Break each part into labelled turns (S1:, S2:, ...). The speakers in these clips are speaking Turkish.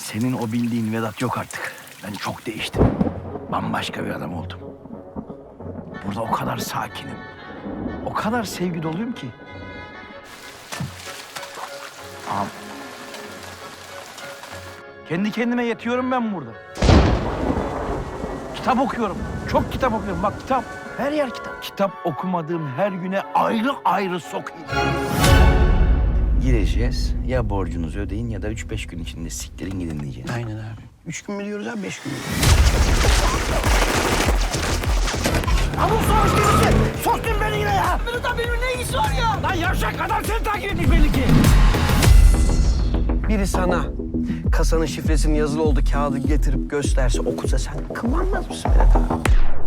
S1: Senin o bildiğin Vedat yok artık. Ben çok değiştim. Bambaşka bir adam oldum. Burada o kadar sakinim. O kadar sevgi doluyum ki. Ağam. Kendi kendime yetiyorum ben burada. Kitap okuyorum. Çok kitap okuyorum. Bak kitap. Her yer kitap. Kitap okumadığım her güne ayrı ayrı sokayım. Gireceğiz. Ya borcunuzu ödeyin ya da 3-5 gün içinde siktirin gidin diyeceğiz.
S2: Aynen abi. 3 gün mü diyoruz abi, 5 gün mü?
S1: Abuk soğuş birisi! Soktun beni yine ya! Vedat benim ne işi var ya? Lan yavşak adam seni takip etmiş belli ki.
S2: Biri sana kasanın şifresinin yazılı olduğu kağıdı getirip gösterse, okusa sen kıvranmaz mısın Vedat abi?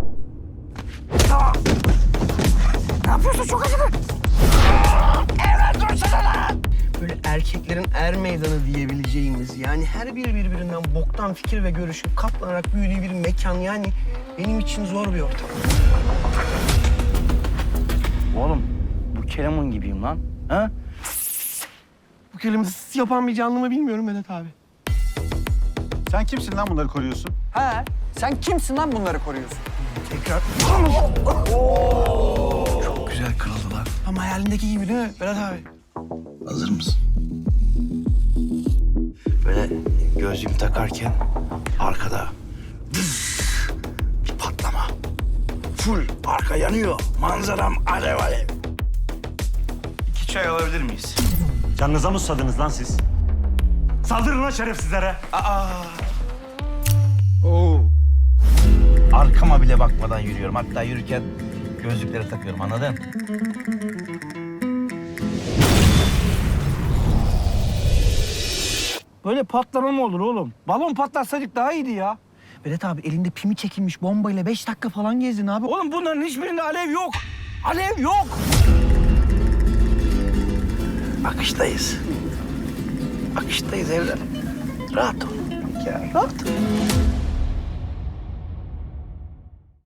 S1: Ne yapıyorsun? Çok acıdı. Evet dursana lan!
S2: Böyle erkeklerin er meydanı diyebileceğimiz, yani her biri birbirinden boktan fikir ve görüşün katlanarak büyüdüğü bir mekan, yani benim için zor bir ortam.
S1: Oğlum bu Kerem'in gibiyim lan. Ha?
S2: Bu kelime yapan bir canlı mı bilmiyorum Vedat abi.
S3: Sen kimsin lan bunları koruyorsun?
S4: He, sen kimsin lan bunları koruyorsun?
S2: Tekrar.
S1: Çok güzel kırıldı lan.
S2: Ama hayalindeki gibi değil mi Vedat abi?
S1: Hazır mısın? Böyle gözlüğümü takarken arkada bir patlama. Full arka yanıyor. Manzaram alev alev. 2 çay alabilir miyiz?
S3: Canınıza mı susadınız lan siz? Saldırın lan şerefsizlere.
S1: Arkama bile bakmadan yürüyorum. Hatta yürürken gözlükleri takıyorum, anladın? Böyle patlama mı olur oğlum? Balon patlatsaydık daha iyiydi ya.
S2: Vedat abi elinde pimi çekilmiş bombayla 5 dakika falan gezdin abi.
S1: Oğlum bunların hiçbirinde alev yok. Alev yok. Akıştayız. Akıştayız evladım. Rahat ol. Ya rahat ol.